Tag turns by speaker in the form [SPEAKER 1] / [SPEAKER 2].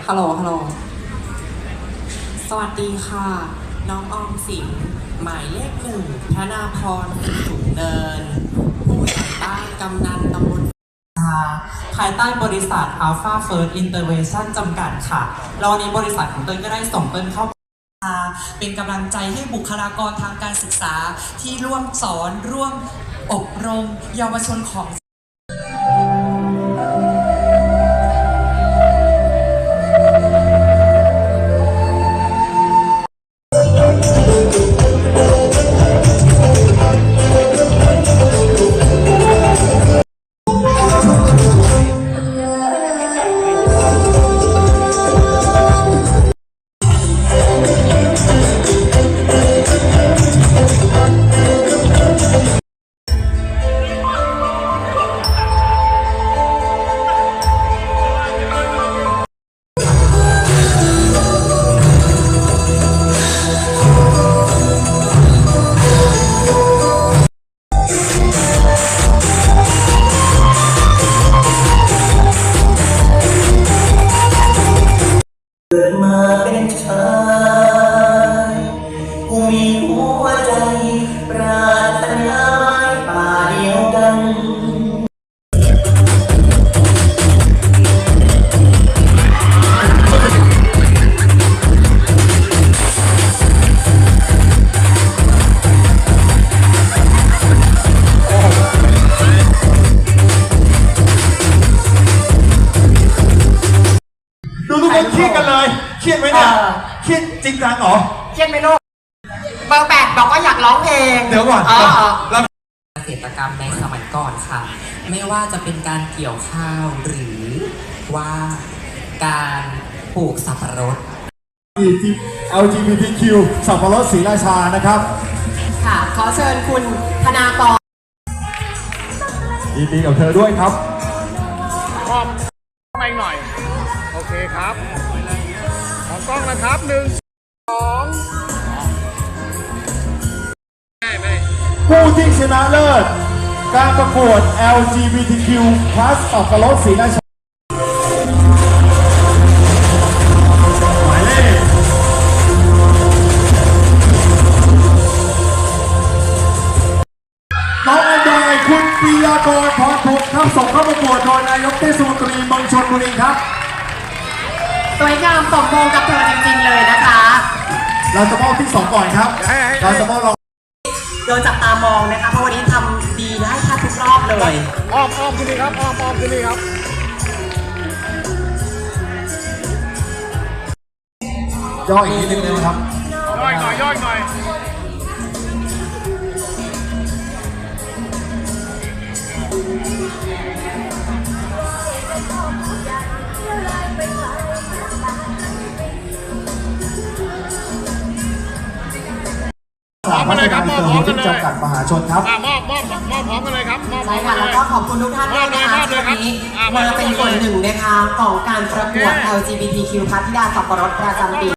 [SPEAKER 1] ฮัลโหลฮัลโหลสวัสดีค่ะ น้องออมสินหมายเลข1 ธนาพร สูงเนิน ผู้ใหญ่บ้านกำนันตำบลภายใต้บริษัท Alpha First Intervention จำกัดค่ะแล้ววันนี้บริษัทของเต้นก็ได้ส่งเต้นเข้าเป็นกำลังใจให้บุคลากรทางการศึกษาที่ร่วมสอนร่วมอบรมเยาวชนของ
[SPEAKER 2] เกิดมาเป็นชายผู้มีหัวใจปรารถนาป่าเดียวกัน
[SPEAKER 3] ดูทุกคนเครียดกันเลยเครียดไหมเนี่ยเครียดจริงจังเหรอ
[SPEAKER 4] เครียดไหมลูกเบอร์ 8บอกว่าอยากร้องเพลง
[SPEAKER 3] เดี๋ยวก่อนเรา
[SPEAKER 1] เกษตรกรรมในสมัยก่อนค่ะไม่ว่าจะเป็นการเกี่ยวข้าวหรือว่าการปลูกสับปะรด
[SPEAKER 3] LGBTQ สับปะรดศรีราชานะครับ
[SPEAKER 4] ค่ะขอเชิญคุณธนากร
[SPEAKER 3] ยินดีกับเธอด้วยครับ
[SPEAKER 5] พร้อมไปหน่อยโอเคครับมองกล้องนะครับ1 2
[SPEAKER 3] ผู้ที่ชนะเลิศการประกวด LGBTQ+ สับปะรดศรีราชาหมายเลขน้องอันดอยคุณปิยากรพรพงศ์ครับส่งเข้าประกวดโดยนายกเทศมนตรีเมืองชลบุรีครับ
[SPEAKER 4] สวยงามสมมงกับเธอจริงๆเลยนะคะ
[SPEAKER 3] เราจะมอบที่2ก่อนครับเราจะมอบ
[SPEAKER 4] โดนจับตามองนะคะเพราะวันนี้ทำดีได้แทบทุกรอบเลย
[SPEAKER 5] อ้อมขึ้นนี่ครับอ้อมขึ้นนี่ครับ
[SPEAKER 3] ย่ออีกนิดนึงนะครับ
[SPEAKER 5] ย่อยหน่อยพร้อมกันเลยครับมอบพร้อมกันเลย
[SPEAKER 3] จำกัดมหาชนครับ
[SPEAKER 5] มอบพร้อมกันเลยครับ
[SPEAKER 4] ใช่ค่ะแล้วก็ขอบคุณทุกท่านด้วยนะคะที่วันนี้มาเป็นส่วนหนึ่งนะคะของการประกวด LGBTQ พัทธิดาสับปะรดประจำปี